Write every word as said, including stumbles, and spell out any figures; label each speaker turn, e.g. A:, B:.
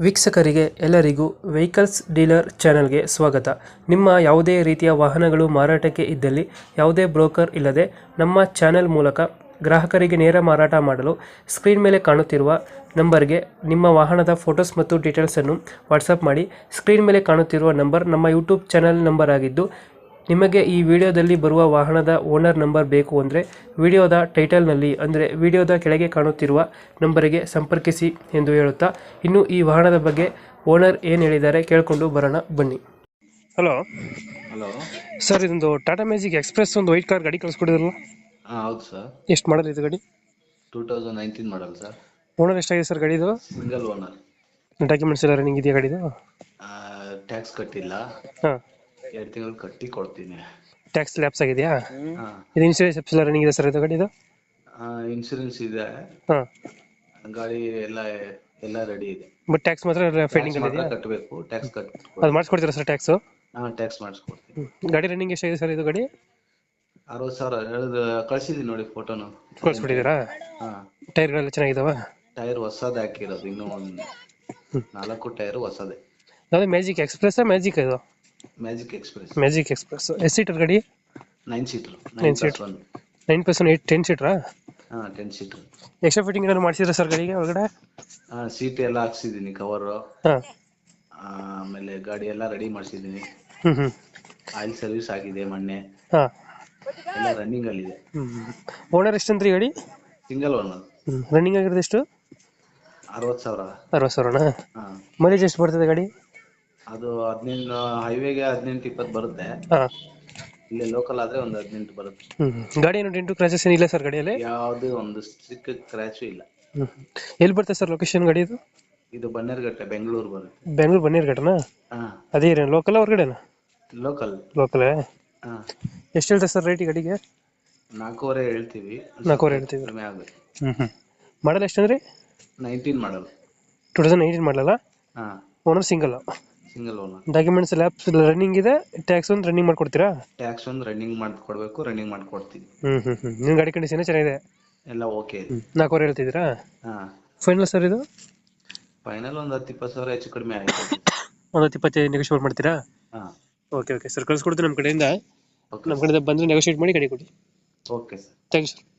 A: ವೀಕ್ಷಕರಿಗೆ ಎಲ್ಲರಿಗೂ vehicles dealer ಚಾನೆಲ್ಗೆ ಸ್ವಾಗತ. ನಿಮ್ಮ ಯಾವುದೇ ರೀತಿಯ ವಾಹನಗಳು ಮಾರಾಟಕ್ಕೆ ಇದ್ದಲ್ಲಿ ಯಾವುದೇ ಬ್ರೋಕರ್ ಇಲ್ಲದೆ ನಮ್ಮ ಚಾನೆಲ್ ಮೂಲಕ ಗ್ರಾಹಕರಿಗೆ ನೇರ ಮಾರಾಟ ಮಾಡಲು ಸ್ಕ್ರೀನ್ ಮೇಲೆ ಕಾಣುತ್ತಿರುವ ನಂಬರ್ಗೆ ನಿಮ್ಮ ವಾಹನದ ಫೋಟೋಸ್ ಮತ್ತು ಡೀಟೇಲ್ಸನ್ನು ವಾಟ್ಸಪ್ ಮಾಡಿ. ಸ್ಕ್ರೀನ್ ಮೇಲೆ ಕಾಣುತ್ತಿರುವ ನಂಬರ್ ನಮ್ಮ ಯೂಟ್ಯೂಬ್ ಚಾನೆಲ್ ನಂಬರ್ ಆಗಿದ್ದು, ನಿಮಗೆ ಈ ವಿಡಿಯೋದಲ್ಲಿ ಬರುವ ವಾಹನದ ಓನರ್ ನಂಬರ್ ಬೇಕು ಅಂದರೆ ವಿಡಿಯೋದ ಟೈಟಲ್ನಲ್ಲಿ ಅಂದರೆ ವಿಡಿಯೋದ ಕೆಳಗೆ ಕಾಣುತ್ತಿರುವ ನಂಬರಿಗೆ ಸಂಪರ್ಕಿಸಿ ಎಂದು ಹೇಳುತ್ತಾ, ಇನ್ನು ಈ ವಾಹನದ ಬಗ್ಗೆ ಓನರ್ ಏನು ಹೇಳಿದ್ದಾರೆ ಕೇಳಿಕೊಂಡು ಬರೋಣ ಬನ್ನಿ. ಹಲೋ
B: ಹಲೋ
A: ಸರ್, ಇದೊಂದು ಟಾಟಾ ಮ್ಯಾಜಿಕ್ ಎಕ್ಸ್ಪ್ರೆಸ್ ಒಂದು ವೈಟ್ ಕಾರ್ ಗಾಡಿ ಕಳಿಸ್ಕೊಡಿದ್ರಲ್ಲ,
B: ಹಾಂ ಹೌದು ಸರ್.
A: ಎಷ್ಟು ಮಾಡಲ್ ಇದು ಗಾಡಿ?
B: Two thousand nineteen model sir.
A: Owner ಎಷ್ಟಾಗಿದೆ ಸರ್ ಗಾಡಿದು?
B: Single owner.
A: ಡಾಕ್ಯುಮೆಂಟ್ಸ್ ಎಲ್ಲ ರನ್ನಿಂಗ್ ಇದೆಯಾ ಗಾಡಿದು?
B: ಟ್ಯಾಕ್ಸ್ ಕಟ್ಟಿಲ್ಲ,
A: ಹಾಂ.
B: ಎರಡು ತಿಂಗಳು ಕಟ್ಟಿ ಕೊಡ್ತೀನಿ.
A: ಟ್ಯಾಕ್ಸ್ ಲ್ಯಾಪ್ಸ್ ಆಗಿದೆಯಾ?
B: ಹಾಂ.
A: ಇದು ಇನ್ಸೂರೆನ್ಸ್ ಎಲ್ಲ ರನ್ನಿಂಗ್ ಇದೆ ಸರ್ ಇದು ಗಾಡಿದು?
B: ಇನ್ಶೂರೆನ್ಸ್ ಇದೆ,
A: ಹಾಂ.
B: ಗಾಡಿ ಎಲ್ಲ ಎಲ್ಲ ರೆಡಿ ಇದೆ.
A: ಬಟ್ ಟ್ಯಾಕ್ಸ್ ಮಾತ್ರ ಫೈಂಡಿಂಗ್ ಅಲ್ಲಿ ಇದೆಯಾ?
B: ಕಟ್ಟಬೇಕು, ಟ್ಯಾಕ್ಸ್ ಕಟ್.
A: ಅದು ಮಾಡಿಸ್ಕೊಡ್ತೀರಾ ಸರ್ ಟ್ಯಾಕ್ಸು?
B: ಹಾಂ, ಟ್ಯಾಕ್ಸ್ ಮಾಡಿಸ್ಕೊಡ್ತೀನಿ.
A: ಗಾಡಿ ರನ್ನಿಂಗ್ ಎಷ್ಟಾಗಿದೆ ಸರ್ ಇದು ಗಾಡಿ?
B: ಅರವತ್ತು ಸಾವಿರ ಹೇಳಿದ ಕಳಿಸಿದ್ದೀನಿ ನೋಡಿ ಫೋಟೋನು.
A: ಕಳಿಸ್ಬಿಟ್ಟಿದ್ದೀರಾ?
B: ಹಾಂ.
A: ಟೈರ್ಗಳೆಲ್ಲ ಚೆನ್ನಾಗಿದಾವ?
B: ಟೈರ್ ಹೊಸದು ಹಾಕಿರೋದು, ಇನ್ನೂ ಒಂದು ನಾಲ್ಕು ಟೈರ್ ಹೊಸದೇ.
A: ಯಾವುದು ಮ್ಯಾಜಿಕ್ ಎಕ್ಸ್ಪ್ರೆಸ್? ಮ್ಯಾಜಿಕ್ ಇದು
B: ಮ್ಯಾಜಿಕ್ ಎಕ್ಸ್ಪ್ರೆಸ್.
A: ಮ್ಯಾಜಿಕ್ ಎಕ್ಸ್ಪ್ರೆಸ್ ಎಷ್ಟು ಸೀಟರ್ ಗಾಡಿ?
B: Nine seater.
A: Nine seater. Nine plus one eight ten ಸೀಟ್ರಾ?
B: ಹಾಂ, ಟೆನ್ ಸೀಟರ್.
A: ಎಕ್ಸ್ಟ್ರಾ ಫಿಟ್ಟಿಂಗ್ ಏನಾದ್ರು ಮಾಡಿಸಿದ್ರೆ ಸರ್ ಗಾಡಿಗೆ ಒಳಗಡೆ?
B: ಹಾಂ, ಸೀಟ್ ಎಲ್ಲ ಹಾಕ್ಸಿದ್ದೀನಿ, ಕವರು.
A: ಹಾಂ.
B: ಆಮೇಲೆ ಗಾಡಿ ಎಲ್ಲ ರೆಡಿ ಮಾಡಿಸಿದ್ದೀನಿ.
A: ಹ್ಞೂ ಹ್ಞೂ
B: ಆಯಿಲ್ ಸರ್ವಿಸ್ ಆಗಿದೆ ಮೊನ್ನೆ,
A: ಹಾಂ.
B: ಎಲ್ಲ ರನ್ನಿಂಗ್ ಅಲ್ಲಿದೆ.
A: ಹ್ಞೂ ಓನರ್ ಎಷ್ಟಂತ್ರಿ ಗಾಡಿ?
B: Single owner.
A: ಹ್ಞೂ ರನ್ನಿಂಗ್ ಆಗಿರೋದು ಎಷ್ಟು?
B: ಅರವತ್ತು ಸಾವಿರ.
A: ಅರವತ್ತು ಸಾವಿರನಾ?
B: ಹಾಂ.
A: ಮೈಲೇಜ್ ಎಷ್ಟು ಬರ್ತದೆ ಗಾಡಿ?
B: ಅದು ಹದಿನೆಂಟು, ಹೈವೇಗೆ ಹದಿನೆಂಟು ಇಪ್ಪತ್ತು ಬರುತ್ತೆ.
A: ಹಾಂ.
B: ಇಲ್ಲಿ ಲೋಕಲ್ ಆದರೆ ಒಂದು ಹದಿನೆಂಟು ಬರುತ್ತೆ.
A: ಹ್ಞೂ ಗಾಡಿ ಏನು ಡೆಂಟು ಕ್ರಾಚಸ್ ಏನಿಲ್ಲ ಸರ್ ಗಾಡಿಯಲ್ಲಿ?
B: ಯಾವುದೇ ಒಂದು ಚಿಕ್ಕ ಕ್ರ್ಯಾಚು ಇಲ್ಲ.
A: ಹ್ಞೂ ಎಲ್ಲಿ ಬರ್ತದೆ ಸರ್ ಲೊಕೇಶನ್ ಗಾಡಿ ಇದು?
B: ಇದು ಬನ್ನೇರುಘಟ್ಟ, ಬೆಂಗಳೂರು ಬರುತ್ತೆ.
A: ಬೆಂಗಳೂರು ಬನ್ನೇರುಘಟ್ಟನಾ?
B: ಹಾಂ.
A: ಅದೇ ಏನು ಲೋಕಲ್ ಹೊರಗಡೆನಾ?
B: ಲೋಕಲ್.
A: ಲೋಕಲೇ?
B: ಹಾಂ.
A: ಎಷ್ಟು ಹೇಳ್ತಾರೆ ಸರ್ ರೇಟ್ ಗಾಡಿಗೆ?
B: ನಾಲ್ಕೂವರೆ ಹೇಳ್ತೀವಿ.
A: ನಾಲ್ಕೂವರೆ ಹೇಳ್ತೀವಿ.
B: ಕಡಿಮೆ ಆಗುತ್ತೆ.
A: ಹ್ಞೂ ಹ್ಞೂ ಮಾಡಲ್ ಎಷ್ಟಂದ್ರಿ?
B: Nineteen model.
A: Two thousand nineteen ಮಾಡಲಲ್ಲ?
B: ಹಾಂ.
A: Owner single?
B: Single owner.
A: Documents lapse running ಇದೆ, ಟ್ಯಾಕ್ಸ್ ಒಂದು ರನ್ನಿಂಗ್ ಮಾಡ್ಕೊಡ್ತೀರಾ?
B: ಟ್ಯಾಕ್ಸ್ ಒಂದು ರನ್ನಿಂಗ್ ಮಾಡಿಕೊಡ್ಬೇಕು, ರನ್ನಿಂಗ್ ಮಾಡಿಕೊಡ್ತೀವಿ.
A: ಹ್ಞೂ ಹ್ಞೂ ಹ್ಞೂ ನಿಮ್ಮ ಗಾಡಿ ಕಂಡೀಷನ್ ಚೆನ್ನಾಗಿದೆ?
B: ಎಲ್ಲ ಓಕೆ ಇದೆ.
A: ನಾಲ್ಕೂವರೆ ಹೇಳ್ತಿದ್ದೀರಾ?
B: ಹಾಂ.
A: ಫೈನಲ್ ಸರ್ ಇದು?
B: ಫೈನಲ್ ಒಂದು ಹತ್ತು ಇಪ್ಪತ್ತು ಸಾವಿರ ಹೆಚ್ಚು ಕಡಿಮೆ ಆಯಿತು.
A: ಒಂದು ಹತ್ತು ಇಪ್ಪತ್ತೈದು ನೆಗೋಷಿಯೇಟ್ ಮಾಡ್ತೀರಾ?
B: ಹಾಂ.
A: ಓಕೆ ಓಕೆ ಸರ್, ಕಳಿಸ್ಕೊಡ್ತೀನಿ ನಮ್ಮ ಕಡೆಯಿಂದ.
B: ಓಕೆ.
A: ನಮ್ಮ ಕಡೆಯಿಂದ ಬಂದರೆ ನೆಗೋಷಿಯೇಟ್ ಮಾಡಿ ಗಾಡಿ ಕೊಡಿ.
B: Okay sir.
A: Thank you sir.